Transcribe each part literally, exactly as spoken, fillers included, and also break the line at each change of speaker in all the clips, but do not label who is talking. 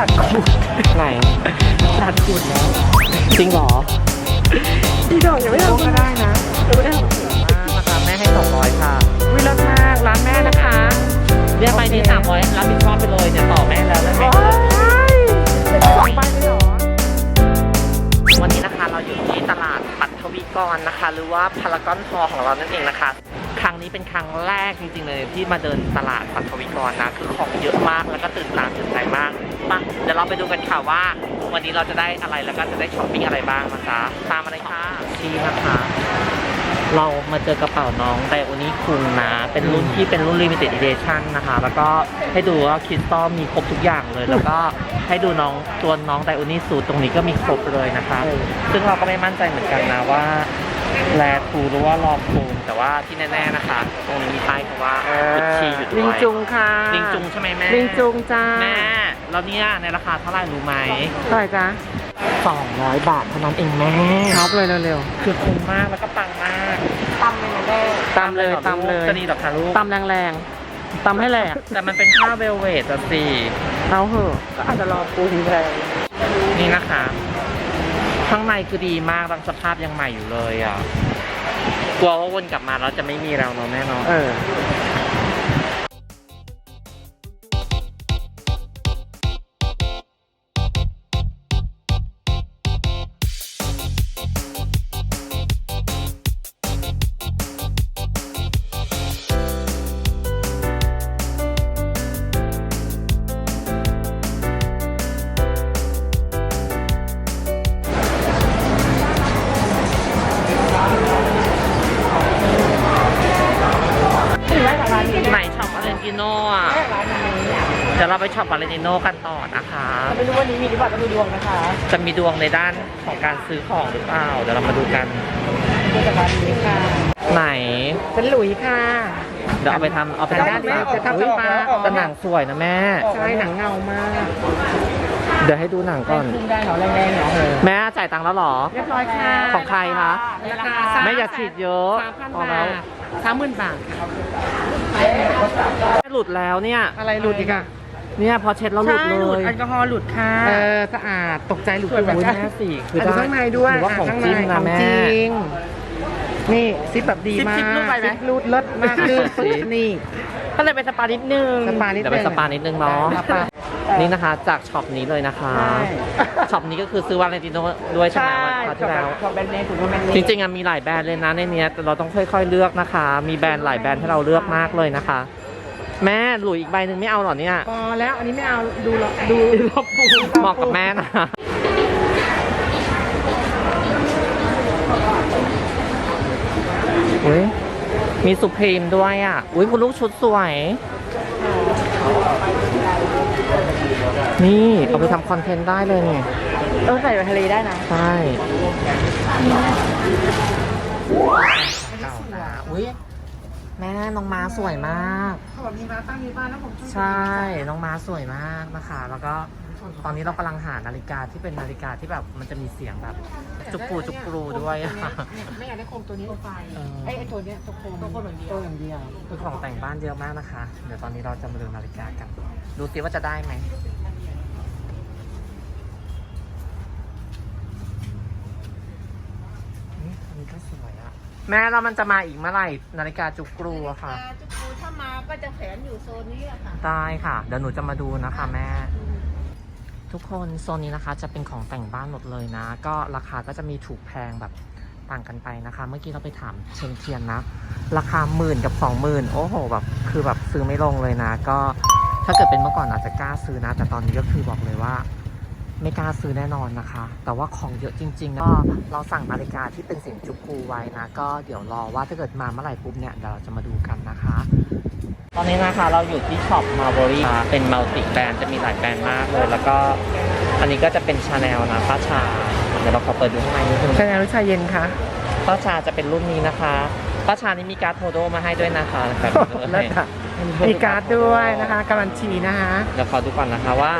ตัดขูดไหนตัดขูดแล้วจริงเหรอพี่ดอกยังไม่ทำก็ได้นะยังไม่ได้ทำมากนะคะแม่ให้สองร้อยค่ะวิลมากร้านแม่นะคะเรียกไปนี้สามร้อยรับผิดชอบไปเลยเนี่ยต่อแม่แล้วได้ไหมเป็นสองใบเลยเหรอวันนี้นะคะเราอยู่ที่ตลาดปัทวีกรนะคะหรือว่าพารากอนฮอลล์ของเรานั่นเองนะคะครั้งนี้เป็นครั้งแรกจริงๆเลยที่มาเดินตลาดปัทวีกรนะคือของเยอะมากแล้วก็ตื่นตาตื่นใจมากมาเดี๋ยวเราไปดูกันค่ะว่าวันนี้เราจะได้อะไรแล้วก็จะได้ช้อปปิ้งอะไรบ้างนะคะตามมาเลยค่ะที่นะคะเรามาเจอกระเป๋าน้องไดโอนี่คุงนะเป็นรุ่นที่เป็นรุ่น Limited Edition นะคะแล้วก็ให้ดูว่าคริสตัลมีครบทุกอย่างเลยแล้วก็ให้ดูน้องตัวน้องไดโอนี่สูตรตรงนี้ก็มีครบเลยนะคะซึ่งเราก็ไม่มั่นใจเหมือนกันนะว่าแลทูหรือว่ารอโคมแต่ว่าที่แน่ๆนะคะตรงนี้มีป้ายคำว่ากุชชี่อยู่ด้วยลิงจุงค่ะลิงจุงใช่ไหมแม่ลิงจุงจ้าแม่แล้วเนี่ยในราคาเท่าไหร่รู้ไหมเท่าไหร่จ้าสองร้อยบาทเท่านั้นเองแม่ช็อปเลยเร็วๆคือคุ้มมากแล้วก็ปังมากตำเลยนะแม่ตำเลยตำเลยจะดีหรอคะลูกตำแรงๆตำให้แหลกแต่มันเป็นผ้าเวลเวทอะสิเอาเหอะก็อาจจะรอปูทีแพงนี่นะคะข้างในคือดีมากบางสภาพยังใหม่อยู่เลยอ่ะกลัวว่าวนกลับมาแล้วจะไม่มีเราเนาะแม่เนาะเออไหนช็อปวาเลนติโน่อะเดี๋ยวเราไปช็อปวาเลนติโน่กันต่อนะคะไม่รู้วันนี้มีหรือเปล่าจะมีดวงนะคะจะมีดวงในด้านของการซื้อของหรือเปล่าเดี๋ยวเรามาดูกันดูจากร้านนี้ค่ะไหนเป็นหลุยค่ะเดี๋ยวเอาไปทำเอาไปทำปลาจะทำปลาแต่หนังสวยนะแม่ใช่หนังเงามากเดี๋ยวให้ดูหนังก่อนได้เหรอแรงๆเหรอแม่จ่ายตังค์แล้วหรอเรียบร้อยค่ะของใครคะแม่อย่าฉีดเยอะพอแล้วสามหมื่นบาทหลุดแล้วเนี่ยอะไรหลุดอีกอะเนี่ยพอเช็ดแล้วหลุดเลยแอลกอฮอล์หลุดค่ะเออสะอาดตกใจหลุดแบบแม่สี่คือข้างในด้วยว่าของจริงนะแม่จริงนี่ซิปแบบดีมากซิปรูดไปไหมรูดเลิศมากคือนี่ก็เลยไปสปานิดนึงสปานิดนึงเดี๋ยวไปสปานิดนึงเนาะนี่นะคะจากช็อปนี้เลยนะคะช็อปนี้ก็คือซื้อวาเลนติโน่ด้วยใช่ไหมวันที่แล้วจริงๆมีหลายแบรนด์เลยนะในนี้แต่เราต้องค่อยๆเลือกนะคะมีแบรนด์หลายแบรนด์ให้เราเลือกมากเลยนะคะแม่หลุยอีกใบหนึ่งไม่เอาหรอเนี่ยพอแล้วอันนี้ไม่เอาดูดูรอบปูเหมาะกับแม่นะอุ้ยมีสุพรีมด้วยอ่ะอุ้ยคุณลูกชุดสวยนี่เอาไปทำคอนเทนต์ได้เลยนี่เออใส่ไปทะเลได้นะใช่อุ้ยแม่น้องม้าสวยมากมีม้าตั้งมีบ้านแล้วผมใช่น้องม้าสวยมากนะคะแล้วก็ตอนนี้เรากำลังหานาฬิกาที่เป็นนาฬิกาที่แบบมันจะมีเสียงแบบจุกปูจุกปูด้วยไม่อยากได้โคมตัวนี้ไฟไอ้ไอ้ตัวเนี้ยตัวโคมตัวโคมอย่างเดียวตัวอย่างเดียวคือของแต่งบ้านเยอะมากนะคะเดี๋ยวตอนนี้เราจะมาดูนาฬิกากันดูสิว่าจะได้ไหมนี่อันนี้ก็สวยอะแม่แล้วมันจะมาอีกเมื่อไหร่นาฬิกาจุกปูอะค่ะจุกปูถ้ามาก็จะแขวนอยู่โซนนี้แหละค่ะได้ค่ะเดี๋ยวหนูจะมาดูนะคะแม่ทุกคนโซนนี้นะคะจะเป็นของแต่งบ้านหมดเลยนะก็ราคาก็จะมีถูกแพงแบบต่างกันไปนะคะเมื่อกี้เราไปถามเชงเทียนนะราคาหมื่นกับสองหมื่นโอ้โหแบบคือแบบซื้อไม่ลงเลยนะก็ถ้าเกิดเป็นเมื่อก่อนอาจจะกล้าซื้อนะแต่ตอนนี้ก็คือบอกเลยว่าไม่กล้าซื้อแน่นอนนะคะแต่ว่าของเยอะจริงๆก็เราสั่งนาฬิกาที่เป็นเสียงจุกกูไว้นะก็เดี๋ยวรอว่าถ้าเกิดมาเมื่อไหร่ปุ๊บเนี่ยเดี๋ยวเราจะมาดูกันนะคะตอนนี้นะคะเราอยู่ที่ช็อปมาร์บอรี่เป็นมัลติแบรนด์จะมีหลายแบรนด์มากเลยแล้วก็อันนี้ก็จะเป็นชาแนลนะป้าชาเดี๋ยวเราขอเปิดดูข้างในนิดนึงชาแนลหรือชาเย็นคะป้าชาจะเป็นรุ่นนี้นะคะป้าชานี่มีการ์ดโทโดมาให้ด้วยนะคะแบบนี้มีการ์ดด้วยนะคะการันตีนะคะเดี๋ยวขอดูก่อนนะคะว่า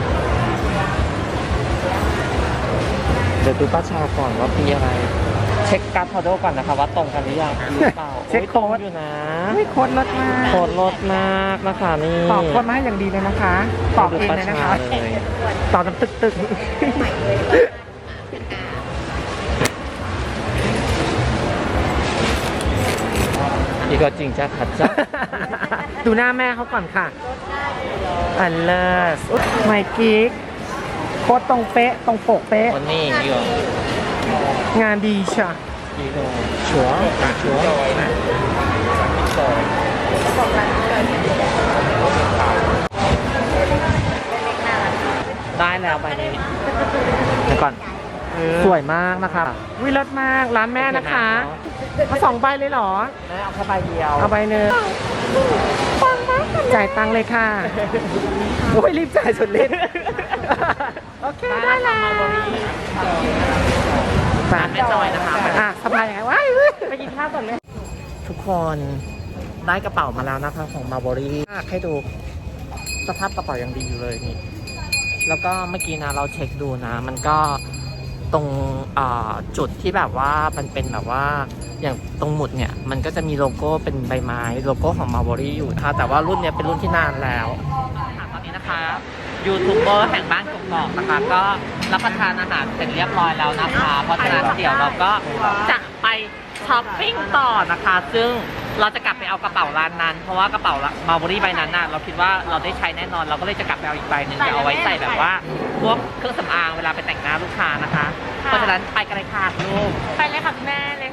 เดี๋ยวดูป้าชาก่อนว่ามีอะไรชช็คการ์ดพอดก่อนนะคะว่าตรงกันหรือยังหรือเปล่า
เช็คโค้ด
อยู่นะ
ไม่โคตรลดมาก
โคตรลดมากนะคะนี่
ตอบโคตรมาให้อย่างดีเลยนะคะตอบเองเลยนะคะ
เลย
ตอบน้ำตึกตึก
อีกก็จริงจ้าขัดจ้า
ดูหน้าแม่เขาก่อนค่ะอันเลิศไมกิ๊กโคตรตรงเป๊ะตรงปกเป๊ะ
วันนี้อยู่
งานดีช่ะ
อีกก็ชัวร์ชัวร์ได้แล้วใบนี้เดี๋ยวก่อนสวยมากนะคะ
วิเลิศมากร้านแม่นะคะเอาสองใบเลยเหรอ
แม่เอาแค่ใบเดียว
เอาใบหนึ่งจ่ายตังค์เลยค่ะ โอ้ยรีบจ่ายสุดฤทธิ์โอเค ได้แล้ว
ร้านแม่จอยนะคะ
อ่ะสบายยังไงว้ายไปกินข้าวก่อนเลย
ทุกคนได้กระเป๋ามาแล้วนะคะของมาร์บอรี่ให้ดูสภาพกระเป๋ายังดีอยู่เลยนี่แล้วก็เมื่อกี้นะเราเช็คดูนะ มันก็ตรงจุดที่แบบว่ามันเป็นแบบว่าอย่างตรงหมุดเนี่ยมันก็จะมีโลโก้เป็นใบไม้โลโก้ของมาร์บอรี่อยู่นะคะแต่ว่ารุ่นนี้เป็นรุ่นที่นานแล้วตอนนี้นะคะยูทูบเบอร์แห่งบ้านกกอกนะคะก็รับประทานอาหารเสร็จเรียบร้อยแล้วนะคะเพราะฉะนั้นเดี๋ยวเราก็จะไปช้อปปิ้งต่อนะคะซึ่งเราจะกลับไปเอากระเป๋าร้านนั้นเพราะว่ากระเป๋ามาร์บอรี่ใบนั้นน่ะเราคิดว่าเราได้ใช้แน่นอนเราก็เลยจะกลับไปเอาอีกใบหนึ่งจะเอาไว้ใส่แบบว่าพวกเครื่องสำอางเวลาไปแต่งหน้าลูกค้านะคะเพราะฉะนั้นไปกันเลยค่ะลูก
ไปเลยค่ะแม่เลย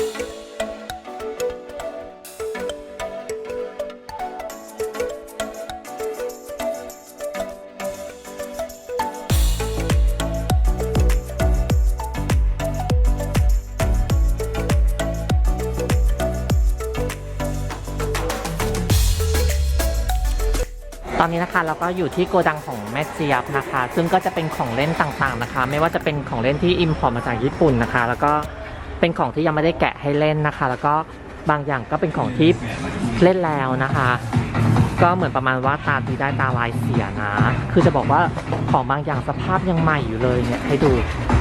ตอนนี้นะคะเราก็อยู่ที่โกดังของแม่เจี๊ยบนะคะ ซึ่งก็จะเป็นของเล่นต่างๆนะคะ ไม่ว่าจะเป็นของเล่นที่อิมพอร์ตมาจากญี่ปุ่นนะคะ แล้วก็เป็นของที่ยังไม่ได้แกะให้เล่นนะคะ แล้วก็บางอย่างก็เป็นของที่เล่นแล้วนะคะ ก็เหมือนประมาณว่าตาดีได้ตาลายเสียนะ คือจะบอกว่าของบางอย่างสภาพยังใหม่อยู่เลยเนี่ยให้ดู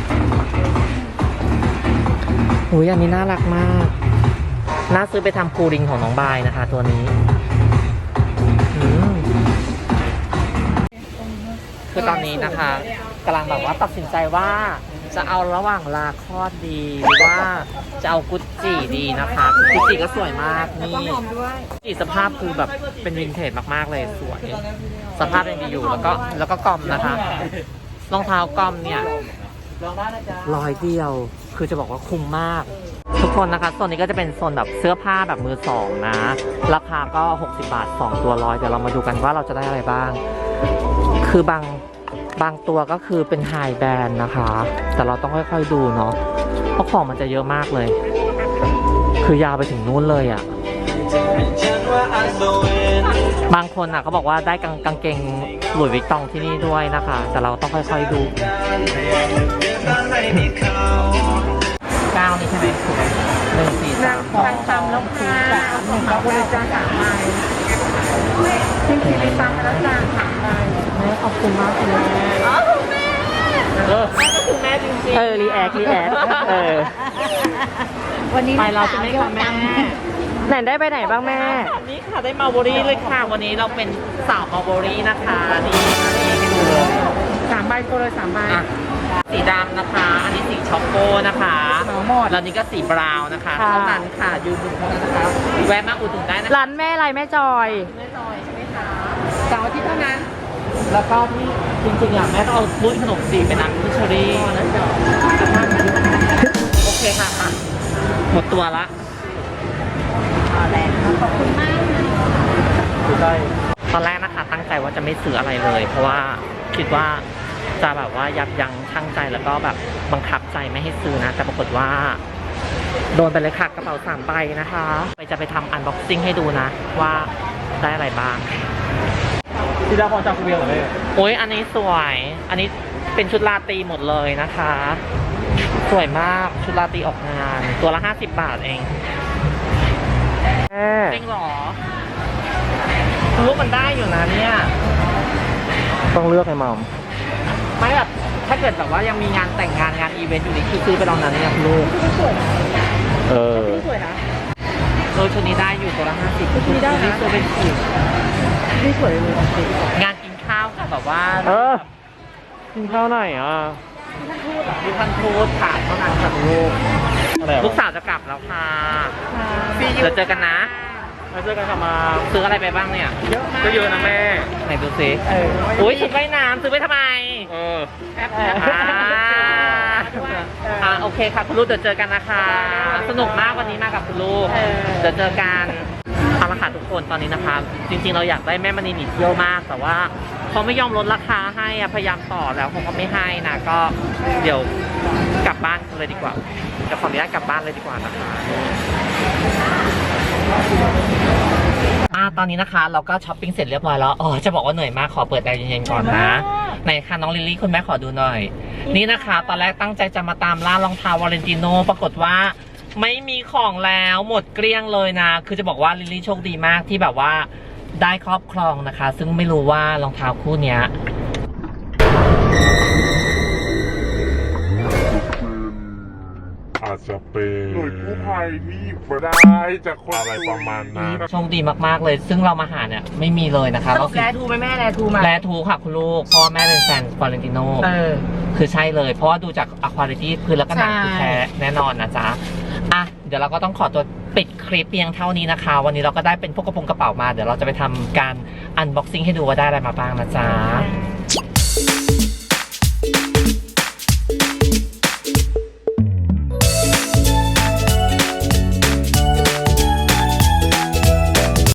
อุ้ยอันนี้น่ารักมากน่าซื้อไปทำคูลิงของน้องบายนะคะ ตัวนี้คือตอนนี้นะคะกำลังแบบว่าตัดสินใจว่าจะเอาระหว่างลาคอดดีหรือว่าจะเอากุจจีดีนะคะกุจจีก็สวยมากนี่กุจจีสภาพคือแบบเป็นวินเทจมากๆเลยสวยสภาพยังดีอยู่แล้วก็แล้วก็กอมนะคะรองเท้ากอมเนี่ยร้อยเดียวคือจะบอกว่าคุ้มมากทุกคนนะคะโซนนี้ก็จะเป็นโซนแบบเสื้อผ้าแบบมือสองนะราคาก็หกสิบบาทสองตัวร้อยเดี๋ยวเรามาดูกันว่าเราจะได้อะไรบ้างคือบางบางตัวก็คือเป็นไฮแบรนด์นะคะแต่เราต้องค่อยๆดูเนาะเพราะของมันจะเยอะมากเลยคือยาวไปถึงนู้นเลยอ่ะบางคนอ่ะเขาบอกว่าได้กางกางเกงหลุยส์วิกตองที่นี่ด้วยนะคะแต่เราต้องค่อยๆดูเก้านี่ใช่ไหมหนึ่งสี่สามสองสามแล้วค่ะหนึ่งก็บริจาคสามใบที่ที่ไปซ้ำแล้วจ้าสามใบแม่ขอบคุณมากคุณแม่อ๋อคุณแม่เออแม่ก็คือแม่จริงๆเออรีแอครีแอคเออวันนี้ไปเราจะไม่ค่ะแม่ไหนได้ไปไหนบ้างแม่นี่ค่ะได้มาร์บอรี่เลยค่ะวันนี้เราเป็นสาวมาร์บอรี่นะคะนี่นี่ให้ดูเลย
สามใบตัวเลยสามใบ
สีดำนะคะอันนี้สีช็อกโกนะคะแล้วนี่ก็สีบราวน์นะคะเท่านั้นค่ะยืนดูเท่านั้นนะคะแวะมาอุดหนุนได้นะ
ร้านแม่อะไรแม่จอย
แม่จอยใช่ไหมคะเสาร์อาทิตย์เท่านั้นแล้วก็ที่จริงๆอ่ะแม่ต้องเอารุ่นขนมจีบเป็นน้ำพิชรี่โอเคค่ะค่ะหมดตัวละ
ขอบคุณมาก
ตอนแรกนะคะตั้งใจว่าจะไม่ซื้ออะไรเลยเพราะว่าคิดว่าจะแบบว่ายับยั้งชั่งใจแล้วก็แบบบังคับใจไม่ให้ซื้อนะแต่ปรากฏว่าโดนไปเลยค่ะกระเป๋าสามใบนะคะไปจะไปทำอันบ็อกซิ่งให้ดูนะว่าได้อะไรบ้างที่ได้พอจากคุณเบียร์เหรอแม่โอ้ยอันนี้สวยอันนี้เป็นชุดราตรีหมดเลยนะคะสวยมากชุดราตรีออกงานตัวละห้าสิบบาทเองจริงหรอรูปมันได้อยู่นะเนี่ยต้องเลือกให้มอมไม่แบบถ้าเกิดแบบว่ายังมีงานแต่งงานงานอีเวนต์อยู่นี่คือซื้อไปลองนั้นเนี่ยลูกเออ
สวยนะ
เออชุดนี้ได้อยู่ตัวละห้าสิบ
ชุดนี้ได้นะ
ตัวเป็นขีด
นี่สวยเลย
งานกินข้าวค่ะแบบว่า
เออ
กินข้าวไหนอ่ะมีพันทูตถามเท่านั้นค่ะลูกลูกสาวจะกลับแล้วค่ะเดี๋ยวเจอกันนะเราเจอกันค่ะมาซื้ออะไรไปบ้างเนี่ย
เยอะมาก
ก็เยอะนะแม่ไหนดูสิ
เออ
อุ้ยชุดว่ายน้ำซื้อไปทำไมเออ
แอป
อ่าอ่าโอเคค่ะคุณลูกเดี๋ยวเจอกันนะคะ สนุกมากวันนี้มากับคุณลูก
เออ
เดี๋ยวเจอกันเอาละค่ะทุกคนตอนนี้นะคะ จริงๆเราอยากได้แม่มณีหนีเที่ยวมาก แต่ว่าเขาไม่ยอมลดราคาให้อะพยายามต่อแล้วเขาก็ไม่ให้นะก็เดี๋ยวกลับบ้านกันเลยดีกว่าจะขออนุญาตกลับบ้านเลยดีกว่านะคะอ่าตอนนี้นะคะ เราก็ช้อปปิ้งเสร็จเรียบร้อยแล้วอ๋อจะบอกว่าเหนื่อยมากขอเปิดแอร์เย็นๆก่อนนะไหนคะน้องลิลลี่คุณแม่ขอดูหน่อย นี่นะคะ ตอนแรกตั้งใจจะมาตามล่ารองเท้าวาเลนติโนปรากฏว่าไม่มีของแล้วหมดเกลี้ยงเลยนะคือจะบอกว่าลิลลี่โชคดีมากที่แบบว่าได้ครอบครองนะคะ ซึ่งไม่รู้ว่ารองเท้าคู่เนี้ย
อาจจะเป็น
หน่วยกู้ภัยที่หยิบมาได้จากคน
อะไรประมาณนั้น
โชคดีมากๆเลย ซึ่งเรามาหาเนี่ยไม่มีเลยนะคะ
สรุ
เรา
ปแลทูไหมแม่แลทูมา
แลทูค่ะคุณลูกพ่อแม่เป็นแฟนวาเลนติโน
เออ
คือใช่เลย เพราะว่าดูจากอควาลิตี้คือแล้วก็หนัง
ใช่
คือแท้แน่นอนนะจ๊ะอ่ะเดี๋ยวเราก็ต้องขอตัวปิดคลิปเพียงเท่านี้นะคะ วันนี้เราก็ได้เป็นพวกกระโปรงกระเป๋ามาเดี๋ยวเราจะไปทำการอันบ็อกซิ่งให้ดูว่าได้อะไรมาบ้างนะจ๊ะ